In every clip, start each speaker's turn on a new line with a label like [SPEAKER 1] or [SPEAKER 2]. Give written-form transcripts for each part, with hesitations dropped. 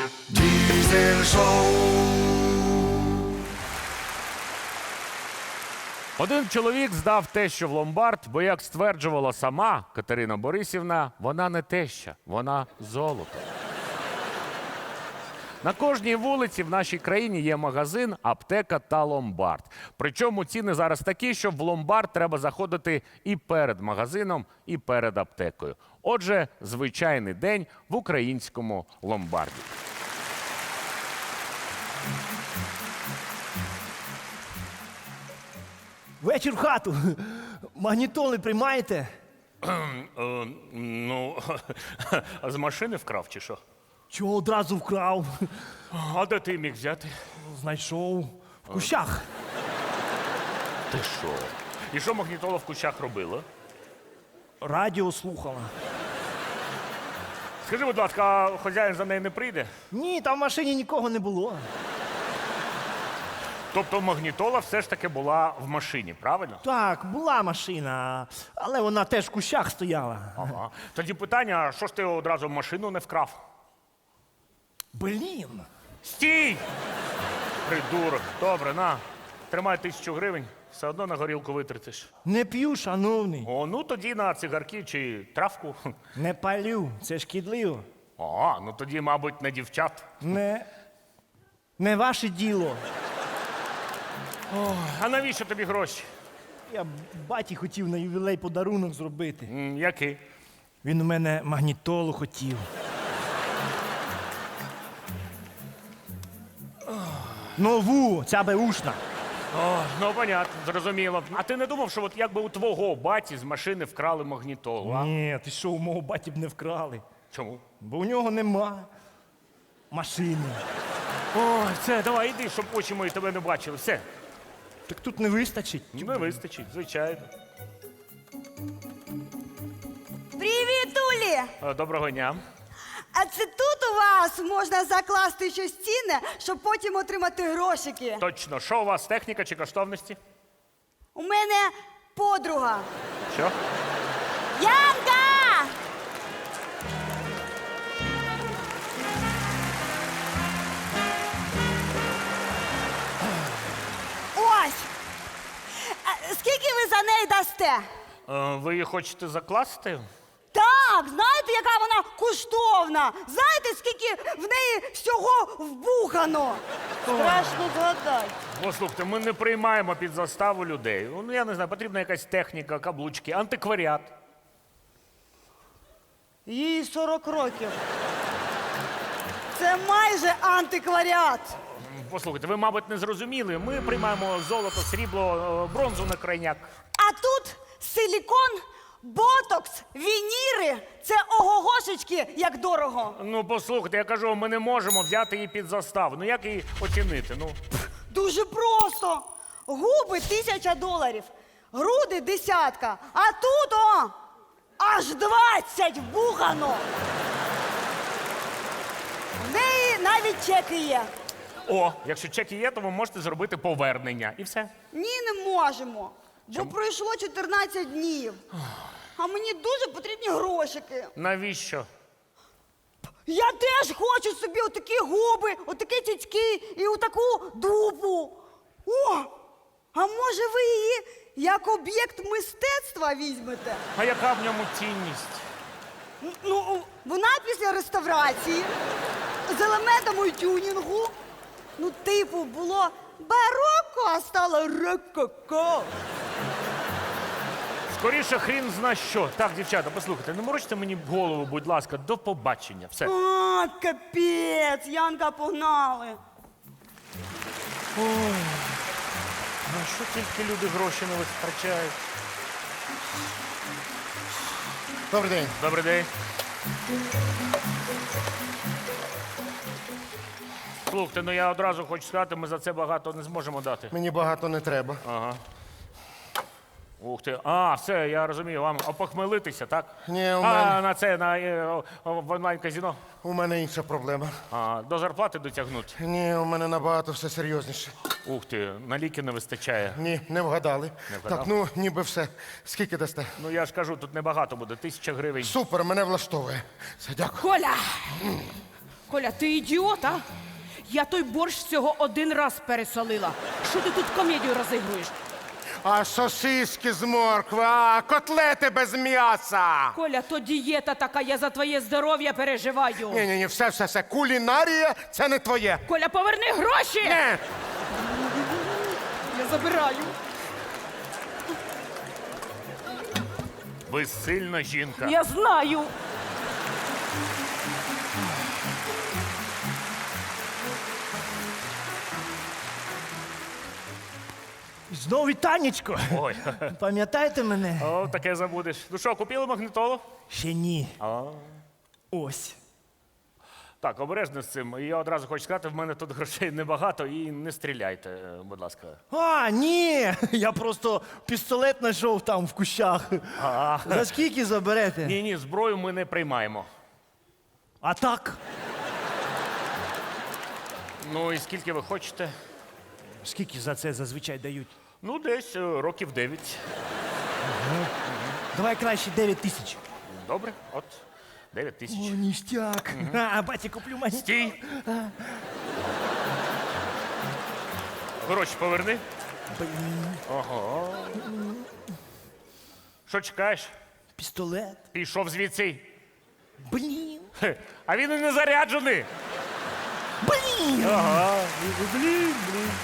[SPEAKER 1] Diesel Show.
[SPEAKER 2] Один чоловік здав тещу в ломбард, бо, як стверджувала сама Катерина Борисівна, вона не теща, вона золото. На кожній вулиці в нашій країні є магазин, аптека та ломбард. Причому ціни зараз такі, що в ломбард треба заходити і перед магазином, і перед аптекою. Отже, звичайний день в українському ломбарді.
[SPEAKER 3] Вечір в хату. Магнітоли приймаєте?
[SPEAKER 2] Ну, а з машини вкрав чи що?
[SPEAKER 3] Чого одразу вкрав?
[SPEAKER 2] А де ти міг взяти?
[SPEAKER 3] Знайшов. В кущах.
[SPEAKER 2] Ти що? І що магнітола в кущах робила?
[SPEAKER 3] Радіо слухала.
[SPEAKER 2] Скажи, будь ласка, а хазяїн за нею не прийде?
[SPEAKER 3] Ні, там в машині нікого не було.
[SPEAKER 2] Тобто магнітола все ж таки була в машині, правильно?
[SPEAKER 3] Так, була машина, але вона теж в кущах стояла.
[SPEAKER 2] Ага. Тоді питання, а що ж ти одразу машину не вкрав?
[SPEAKER 3] Блін.
[SPEAKER 2] Стій! Придурок. Добре, на. Тримай 1000 гривень, все одно на горілку витратиш.
[SPEAKER 3] Не п'ю, шановний.
[SPEAKER 2] О, ну тоді на цигарки чи травку.
[SPEAKER 3] Не палю, це шкідливо.
[SPEAKER 2] О, ну тоді, мабуть, на дівчат.
[SPEAKER 3] Не ваше діло.
[SPEAKER 2] А навіщо тобі гроші?
[SPEAKER 3] Я баті хотів на ювілей подарунок зробити.
[SPEAKER 2] Який?
[SPEAKER 3] Він у мене магнітолу хотів. Нову, ця беушна.
[SPEAKER 2] О, ну, понятно, зрозуміло. А ти не думав, що от якби у твого баті з машини вкрали магнітолу, а?
[SPEAKER 3] Ні, ти що, у мого баті б не вкрали?
[SPEAKER 2] Чому?
[SPEAKER 3] Бо у нього нема машини.
[SPEAKER 2] Ой, все, давай, іди, щоб очі мої тебе не бачили. Все,
[SPEAKER 3] Так тут не вистачить.
[SPEAKER 2] не вистачить, звичайно.
[SPEAKER 4] Привіт, Улі!
[SPEAKER 2] Доброго дня.
[SPEAKER 4] А це тут у вас можна закласти щось цінне, щоб потім отримати грошики.
[SPEAKER 2] Точно, що у вас, техніка чи коштовності?
[SPEAKER 4] У мене подруга.
[SPEAKER 2] Що?
[SPEAKER 4] Янка! Ось! Скільки ви за неї дасте?
[SPEAKER 2] Ви її хочете закласти?
[SPEAKER 4] Так, знаєте, яка вона коштовна? Знаєте, скільки в неї всього вбухано? Страшно згадати.
[SPEAKER 2] Послухайте, ми не приймаємо під заставу людей. Ну, я не знаю, потрібна якась техніка, каблучки, антикваріат.
[SPEAKER 4] Їй 40 років. Це майже антикваріат.
[SPEAKER 2] Послухайте, ви, мабуть, не зрозуміли. Ми приймаємо золото, срібло, бронзу на крайняк.
[SPEAKER 4] А тут силікон, ботокс, вініри. Це огогошечки, як дорого.
[SPEAKER 2] Ну, послухайте, я кажу, ми не можемо взяти її під заставу. Ну, як її оцінити? Ну,
[SPEAKER 4] Дуже просто. Губи $1000, груди 10, а тут аж 20 вбухано. В неї навіть чеки є.
[SPEAKER 2] о, якщо чеки є, то ви можете зробити повернення. І все.
[SPEAKER 4] Ні, не можемо. Бо пройшло 14 днів. А мені дуже потрібні грошики.
[SPEAKER 2] Навіщо?
[SPEAKER 4] Я теж хочу собі отакі губи, отакі цицьки і отаку дупу. О! А може ви її як об'єкт мистецтва візьмете?
[SPEAKER 2] А яка в ньому цінність?
[SPEAKER 4] Ну, вона після реставрації з елементами тюнінгу. Ну, типу, було бароко, а стало рококо.
[SPEAKER 2] Скоріше хрін зна що. Так, дівчата, послухайте, не морочте мені голову, будь ласка, до побачення. Все.
[SPEAKER 4] А, капець, Янка, погнали.
[SPEAKER 2] На що тільки люди гроші не витрачають?
[SPEAKER 5] Добрий день.
[SPEAKER 2] Добрий день. Слухайте, ну я одразу хочу сказати, ми за це багато не зможемо дати.
[SPEAKER 5] Мені багато не треба.
[SPEAKER 2] Ага. Ух ти. А, все, я розумію, вам опохмелитися, так?
[SPEAKER 5] Ні, у
[SPEAKER 2] А,
[SPEAKER 5] мене-
[SPEAKER 2] на це, в онлайн-казіно?
[SPEAKER 5] У мене інша проблема.
[SPEAKER 2] А, до зарплати дотягнуть?
[SPEAKER 5] Ні, у мене набагато все серйозніше.
[SPEAKER 2] Ух ти, на ліки не вистачає.
[SPEAKER 5] Ні, не вгадали.
[SPEAKER 2] Не вгадав?
[SPEAKER 5] Так, ну ніби все. Скільки дасте?
[SPEAKER 2] Ну я ж кажу, тут небагато буде, 1000 гривень.
[SPEAKER 5] Супер, мене влаштовує. Все, дякую.
[SPEAKER 4] Коля!
[SPEAKER 1] Коля, ти ідіот, а? Я той борщ всього один раз пересолила. Що ти тут комедію розігруєш?
[SPEAKER 5] А сосиски з моркви, а котлети без м'яса.
[SPEAKER 1] Коля, то дієта така, я за твоє здоров'я переживаю.
[SPEAKER 5] Ні, все. Кулінарія – це не твоє.
[SPEAKER 1] Коля, поверни гроші!
[SPEAKER 5] Ні.
[SPEAKER 1] Я забираю.
[SPEAKER 2] Ви сильна жінка.
[SPEAKER 1] Я знаю.
[SPEAKER 3] Знову Танечко.
[SPEAKER 2] Ой,
[SPEAKER 3] Пам'ятаєте мене?
[SPEAKER 2] о, таке забудеш. Ну що, купили магнітолу?
[SPEAKER 3] Ще ні. Ось.
[SPEAKER 2] Так, обережно з цим. Я одразу хочу сказати, в мене тут грошей небагато і не стріляйте, будь ласка.
[SPEAKER 3] А, ні! Я просто пістолет знайшов там в кущах. За скільки заберете?
[SPEAKER 2] Ні, зброю ми не приймаємо.
[SPEAKER 3] А так?
[SPEAKER 2] Ну і скільки ви хочете?
[SPEAKER 3] Скільки за це зазвичай дають?
[SPEAKER 2] Ну, десь років 9.
[SPEAKER 3] Давай краще 9 тисяч.
[SPEAKER 2] Добре, от 9 тисяч.
[SPEAKER 3] О, ніштяк. А, батя, куплю мені.
[SPEAKER 2] Стій! Гроші поверни. Ого. Що чекаєш?
[SPEAKER 3] Пістолет.
[SPEAKER 2] Пішов звідси.
[SPEAKER 3] Блін.
[SPEAKER 2] Хе, а він і не заряджений.
[SPEAKER 3] Блін.
[SPEAKER 2] Ага. Блін.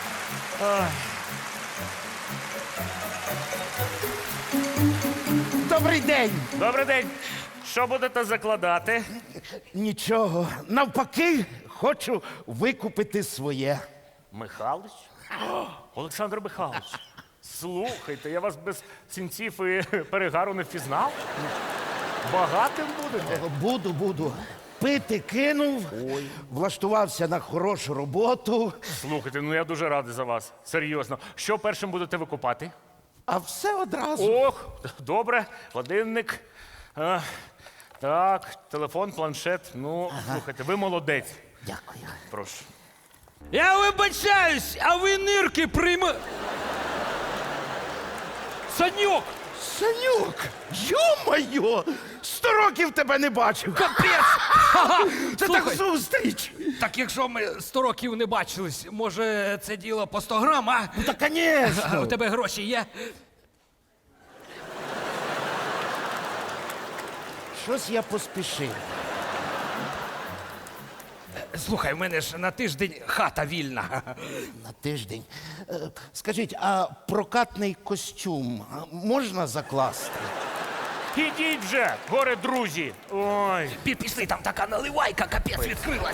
[SPEAKER 6] Добрий день.
[SPEAKER 2] Добрий день. Що будете закладати?
[SPEAKER 6] Нічого. Навпаки, хочу викупити своє.
[SPEAKER 2] Михалич? Олександр Михайлович. Слухайте, я вас без сінців і перегару не впізнав. Багатим будете?
[SPEAKER 6] Буду. Пити кинув, влаштувався на хорошу роботу,
[SPEAKER 2] Слухайте, ну я дуже радий за вас. Серйозно. Що першим будете викупати?
[SPEAKER 6] а все одразу.
[SPEAKER 2] Ох, добре. Годинник. Так, телефон, планшет. Ну, слухайте, ви молодець.
[SPEAKER 6] Дякую.
[SPEAKER 2] Прошу.
[SPEAKER 7] Я вибачаюсь, а ви нирки Саньок!
[SPEAKER 6] Санюк, йо-моє, 100 років тебе не бачив.
[SPEAKER 7] Капець!
[SPEAKER 6] Це так
[SPEAKER 7] Слухай.
[SPEAKER 6] зустріч.
[SPEAKER 7] Так якщо ми 100 років не бачились, може це діло по 100 грам, а?
[SPEAKER 6] Ну, та, звісно.
[SPEAKER 7] У тебе гроші є?
[SPEAKER 6] Щось я поспішив.
[SPEAKER 7] Слухай, в мене ж на тиждень хата вільна.
[SPEAKER 6] На тиждень. Скажіть, а прокатний костюм можна закласти?
[SPEAKER 2] Ідіть вже, горе друзі. Ой.
[SPEAKER 7] Пішли, там така наливайка, капець відкрилась.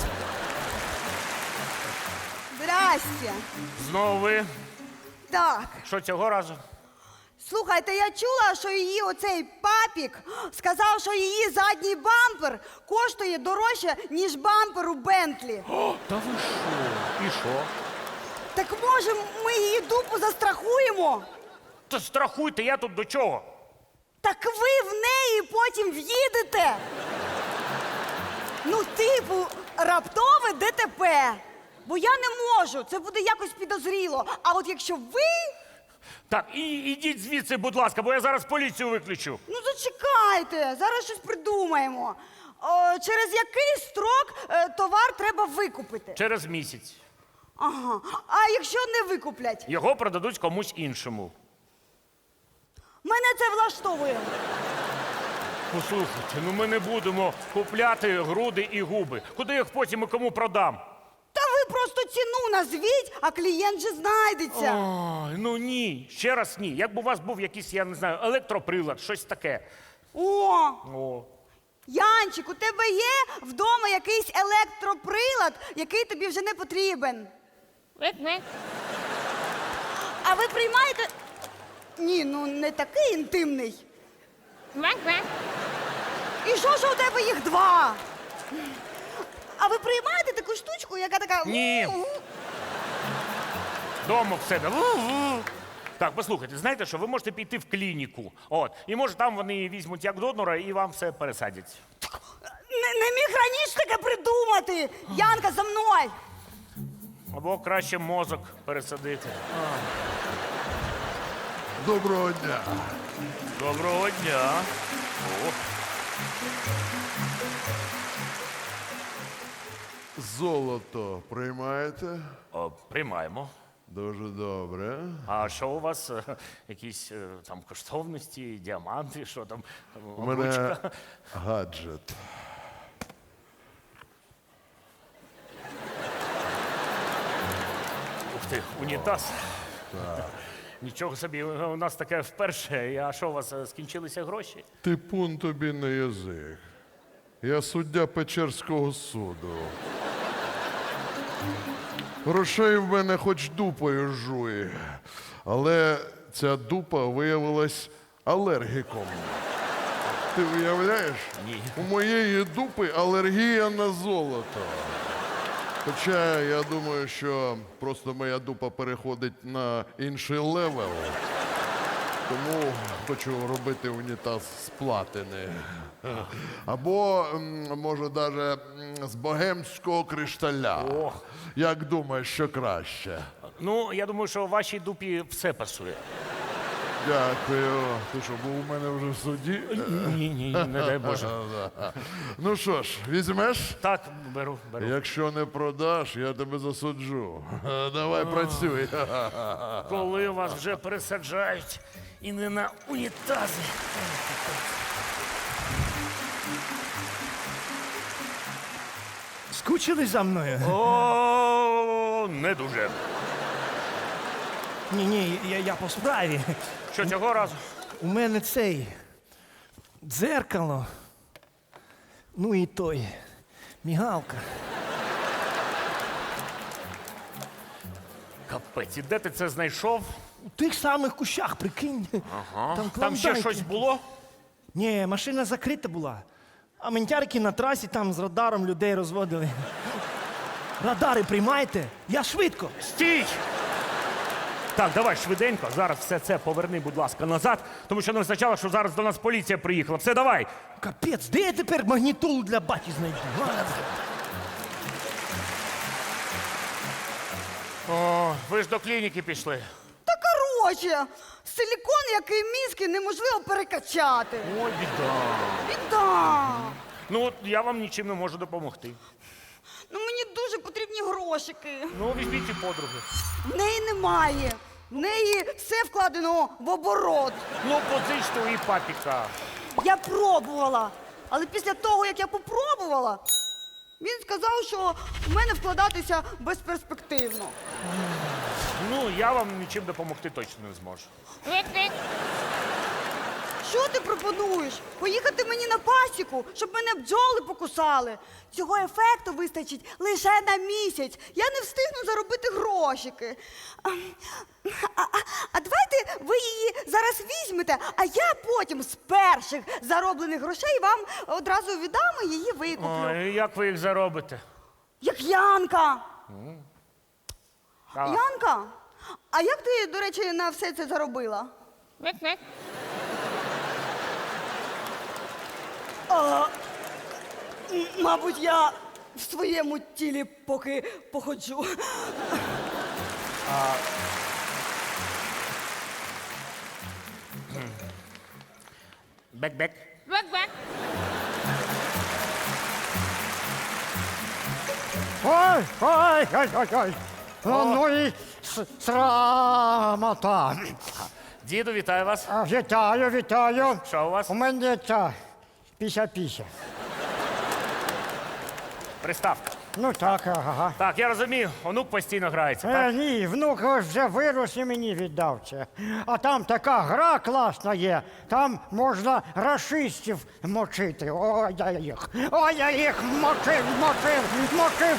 [SPEAKER 4] Здрасте.
[SPEAKER 2] Знову ви.
[SPEAKER 4] Так,
[SPEAKER 2] Що цього разу?
[SPEAKER 4] слухайте, я чула, що її оцей папік сказав, що її задній бампер коштує дорожче, ніж бампер у Бентлі.
[SPEAKER 2] Та ви що? І що?
[SPEAKER 4] Так може ми її дупу застрахуємо?
[SPEAKER 2] Та страхуйте, я тут до чого?
[SPEAKER 4] Так ви в неї потім в'їдете. Ну, типу, раптове ДТП. Бо я не можу, це буде якось підозріло. А от якщо ви,
[SPEAKER 2] Так, ідіть звідси, будь ласка, бо я зараз поліцію виключу.
[SPEAKER 4] ну зачекайте, зараз щось придумаємо. Через який строк товар треба викупити?
[SPEAKER 2] Через місяць.
[SPEAKER 4] Ага. А якщо не викуплять?
[SPEAKER 2] Його продадуть комусь іншому.
[SPEAKER 4] Мене це влаштовує.
[SPEAKER 2] Послухайте, ну ми не будемо купляти груди і губи. Куди я їх потім і кому продам?
[SPEAKER 4] Та ви просто ціну назвіть, а клієнт же знайдеться.
[SPEAKER 2] Ой, ну ні, ще раз ні. Якби у вас був якийсь, я не знаю, електроприлад, щось таке.
[SPEAKER 4] О,
[SPEAKER 2] О.
[SPEAKER 4] Янчик, у тебе є вдома якийсь електроприлад, який тобі вже не потрібен? А ви приймаєте? Ні, ну не такий інтимний. І що у тебе їх два? А ви приймаєте таку штучку, яка така.
[SPEAKER 2] Ні. Дома в себе. Так, послухайте, знаєте що, ви можете піти в клініку. От. І може там вони її візьмуть як донора і вам все пересадять.
[SPEAKER 4] Не міг раніше таке придумати. Янка, за мною.
[SPEAKER 2] Або краще мозок пересадити.
[SPEAKER 8] Доброго дня.
[SPEAKER 2] Доброго дня. О.
[SPEAKER 8] Золото приймаєте?
[SPEAKER 2] Приймаємо.
[SPEAKER 8] Дуже добре.
[SPEAKER 2] А що у вас? Якісь там коштовності, діаманти, що там?
[SPEAKER 8] У мене
[SPEAKER 2] обручка?
[SPEAKER 8] гаджет.
[SPEAKER 2] Ух ти, унітаз. Нічого собі, у нас таке вперше. А що у вас скінчилися гроші?
[SPEAKER 8] Типун тобі на язик. Я суддя Печерського суду. Грошей в мене хоч дупою жуй. Але ця дупа виявилась алергіком. Ти уявляєш?
[SPEAKER 2] Ні.
[SPEAKER 8] У моєї дупи алергія на золото. Хоча я думаю, що просто моя дупа переходить на інший левел. Тому хочу робити унітаз з платини. Або, може, навіть з богемського кришталя.
[SPEAKER 2] О.
[SPEAKER 8] Як думаєш, що краще?
[SPEAKER 2] Ну, я думаю, що вашій дупі все пасує.
[SPEAKER 8] Дякую. Ти що, був у мене вже в суді?
[SPEAKER 2] Ні, не дай Боже.
[SPEAKER 8] Ну що ж, візьмеш?
[SPEAKER 2] Так, беру.
[SPEAKER 8] Якщо не продаш, я тебе засуджу. Давай працюй.
[SPEAKER 2] Коли вас вже пересаджають і не на унітази.
[SPEAKER 3] Скучили за мною?
[SPEAKER 2] О, не дуже.
[SPEAKER 3] Ні, я по справі.
[SPEAKER 2] Що цього разу?
[SPEAKER 3] У мене цей дзеркало. Ну і той. Мігалка.
[SPEAKER 2] Капець, і де ти це знайшов?
[SPEAKER 3] У тих самих кущах, прикинь.
[SPEAKER 2] Ага. Там ще
[SPEAKER 3] клондайки.
[SPEAKER 2] щось було?
[SPEAKER 3] Ні, машина закрита була. А ментярки на трасі там з радаром людей розводили. Радари приймаєте? Я швидко.
[SPEAKER 2] Стій! Так, давай швиденько. Зараз все це поверни, будь ласка, назад, тому що не вистачало, що зараз до нас поліція приїхала. Все, давай!
[SPEAKER 3] Капець, де я тепер магнітолу для баті знайду?
[SPEAKER 2] О, ви ж до клініки пішли.
[SPEAKER 4] Та короче, силікон, який мізки, неможливо перекачати.
[SPEAKER 2] Ой, біда.
[SPEAKER 4] Біда.
[SPEAKER 2] Ну, от я вам нічим не можу допомогти.
[SPEAKER 4] Ну мені дуже потрібні грошики.
[SPEAKER 2] Ну, візьміть і подруги.
[SPEAKER 4] В неї немає. В неї все вкладено в оборот.
[SPEAKER 2] Ну, позичте у її папіка.
[SPEAKER 4] Я пробувала. Але після того, як я попробувала, він сказав, що в мене вкладатися безперспективно.
[SPEAKER 2] Ну, я вам нічим допомогти точно не зможу.
[SPEAKER 4] Що ти пропонуєш? Поїхати мені на пасіку, щоб мене бджоли покусали. Цього ефекту вистачить лише на місяць. Я не встигну заробити грошики. А давайте ви її зараз візьмете, а я потім з перших зароблених грошей вам одразу віддам і її викуплю.
[SPEAKER 2] Ой, як ви їх заробите?
[SPEAKER 4] Як Янка.
[SPEAKER 2] А,
[SPEAKER 4] Янка? А як ти, до речі, на все це заробила? Мабуть, я в своєму тілі поки походжу.
[SPEAKER 2] Бек-бек.
[SPEAKER 9] Ой. Ну і срамота.
[SPEAKER 2] Діду, вітаю вас.
[SPEAKER 9] Вітаю.
[SPEAKER 2] Що у вас?
[SPEAKER 9] У мене ця піся.
[SPEAKER 2] Приставка.
[SPEAKER 9] Ну так, ага.
[SPEAKER 2] Так, я розумію, онук постійно грається, так?
[SPEAKER 9] Ні, внук ось вже вирос і мені віддав це. А там така гра класна є. Там можна рашистів мочити. Ой, я їх мочив.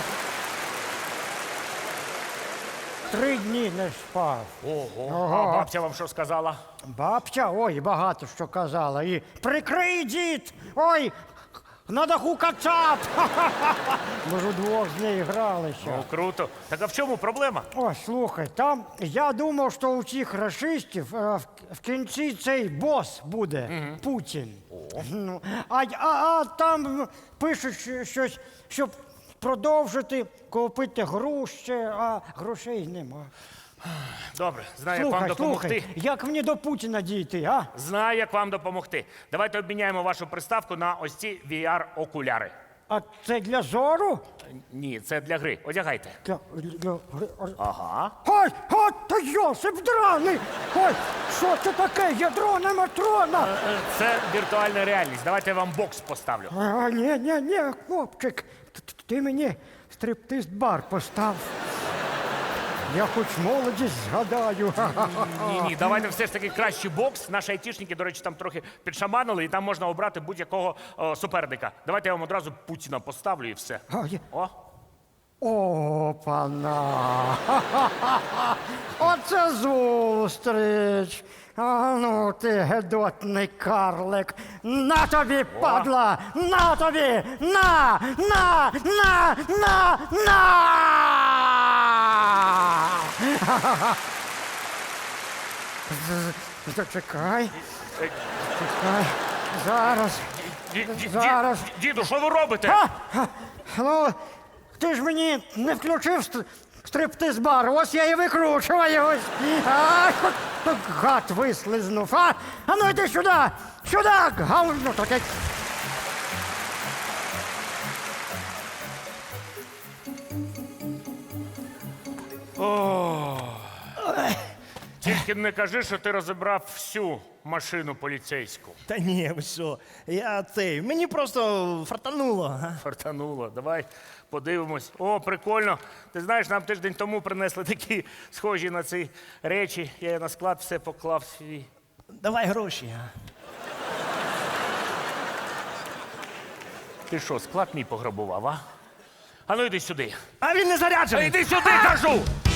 [SPEAKER 9] 3 дні не спав.
[SPEAKER 2] Ого. А бабця вам що сказала?
[SPEAKER 9] Бабця, ой, багато що казала. І прикрий, дід! Ой, на даху кацап! Ми ж удвох з нею гралися.
[SPEAKER 2] Ну, круто. Так а в чому проблема?
[SPEAKER 9] О, слухай, там я думав, що у цих рашистів в кінці цей бос буде, Путін. Ну, а там пишуть щось, щоб продовжити купити груші, а грошей нема.
[SPEAKER 2] Добре, знаю, як вам допомогти.
[SPEAKER 9] Слухай, як мені до Путіна дійти, а?
[SPEAKER 2] Знаю, як вам допомогти. Давайте обміняємо вашу приставку на ось ці VR-окуляри.
[SPEAKER 9] А це для зору?
[SPEAKER 2] Ні, це для гри. Одягайте. Ага.
[SPEAKER 9] Ой, от та Йосип драний! Ой, що це таке? Ядро не матрона!
[SPEAKER 2] Це віртуальна реальність. Давайте я вам бокс поставлю.
[SPEAKER 9] Ні, хлопчик, ти мені стриптиз-бар постав. Я хоч молодість згадаю.
[SPEAKER 2] Ні, давайте все ж таки кращий бокс. Наші айтішники, до речі, там трохи підшаманили, і там можна обрати будь-якого суперника. Давайте я вам одразу Путіна поставлю і все. О,
[SPEAKER 9] Опана! Оце зустріч! А ну ти гедотний карлик! На тобі, падла! На тобі! На! Зачекай. Чекай. Зараз. Зараз.
[SPEAKER 2] Діду, що ви робите?
[SPEAKER 9] Ну, ти ж мені не включив стриптиз-бар, ось я і викручую. Ось. А, от гад вислизнув. А ну йди сюди! Сюди! Говно таке.
[SPEAKER 2] Тільки не кажи, що ти розібрав всю машину поліцейську.
[SPEAKER 3] Та ні, ви що? Мені просто фартануло.
[SPEAKER 2] Фартануло. Давай подивимось. О, прикольно. Ти знаєш, нам тиждень тому принесли такі схожі на ці речі. Я на склад все поклав свій.
[SPEAKER 3] Давай гроші.
[SPEAKER 2] Ти що, склад мій пограбував, а? А ну йди сюди.
[SPEAKER 3] А він не заряджений.
[SPEAKER 2] Йди сюди, кажу!